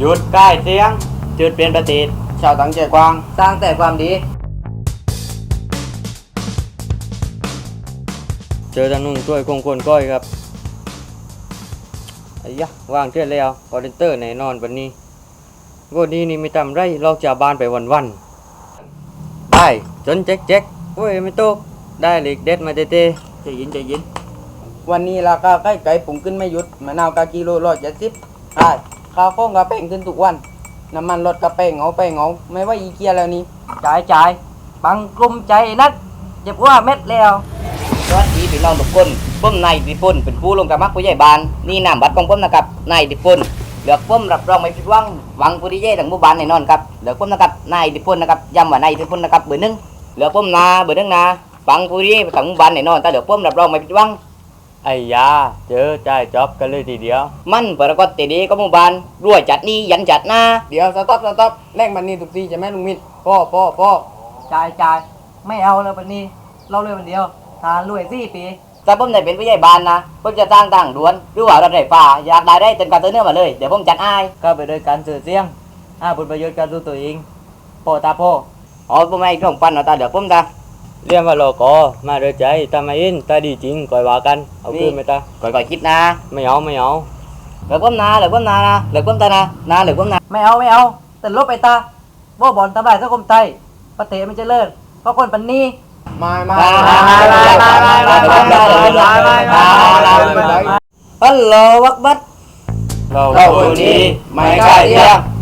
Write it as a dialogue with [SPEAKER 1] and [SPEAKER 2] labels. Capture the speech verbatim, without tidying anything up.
[SPEAKER 1] หยุดใกล้เสียงจุดเปลี่ยนประเทศชาวตั้งใจกว้างสร้างแต่ความดีเจอทางนุ่งช่วยคงคนก้อยครับไอ้ยะว่างเทื่อแล้วคอเดนเตอร์แน่นอนวันนี้วันนี้นี่ไม่ทำไรลอกจากบ้านไปวันๆได้จนแจ๊กแจ๊กโอ้ยไม่ตกได้เหล็กเด็ดมาเต้เต้ใจเย็นใจเย็นวันนี้ราคาใกล้ไก่ปุ่งขึ้นไม่หยุดมะนาวกากิโลร้อยเจ็ดสิบใช่ข้าวข้องกระเป้งขึ้นทุกวันน้ำมันรถกระเป้งเอาไปเงาไม่ว่าอีเกียแล้วนี่จ่ายจ่ายบังกลุ่มใจนัดเจ็บว่าเม็ดแล้วสวัสดีพี่น้องทุกคนผมนายดิพนเป็นผู้ลงกระมักผู้ใหญ่บ้านนี่นามบัตรของผมนะครับนายดิพนเหลือกผมรับรองไม่ผิดหวังหวังผู้ดีเย่ทั้งหมู่บ้านแน่นอนครับเหลือกผมนะครับนายดิพนนะครับย้ำว่านายดิพนนะครับเบอร์หนึ่งเหลือกผมนาเบอร์หนึ่งนาฟังผู้ดีทั้งหมู่บ้านแน่นอนแต่เหลือกผมรับรองไม่ผิดหวังไอ้ยาเจอใจจอบกันเลยทีเดียวมันปรากฏตีดีก็หมู่บ้านรวยจัดนี่ยันจัดหน้าเดี๋ยวสต๊อปสต๊อปแลกมันนี่ทุกทีจะแม่ลุงมิตรพ่อพ่อพ่อจ่ายจ่ายไม่เอาเลยวันนี้เราเลยวันเดียวทานรวยสี่ปีถ้าผมได้เป็นผู้ใหญ่บ้านนะผมจะสร้างทางด่วนหรือว่ารถไฟฟ้าอยากได้ได้เต็มการเตือนเนื้อมาเลยเดี๋ยวผมจัดให้ก็ไปโดยการสื่อเสียงอ่าผลประโยชน์การดูตัวเองพ่อตาพ่ออ๋อผมไม่ต้องปันเอาตาเดี๋ยวผมตาเรียกว่าโลกอมาโดยใจตาไม่อินตาดีจริงก่อยว่ากันเอาคืนไหมตาก่อยก่อยคิดนะไม่เอาไม่เอาเหลือผมนาเหลือผมนานะเหลือผมตานะนาเหลือผมนาไม่เอาไม่เอาแต่ลบไปตาว่าบอลทำลายสังคมไทยประเทศมันจะเลิศเพราะคนปันนี้ไม่ไม่ไม่ไม่ไม่ไม่ไม่ไม่ฮัลโหลวักบัตเราคนนี้ไม่กล้าเที่ยง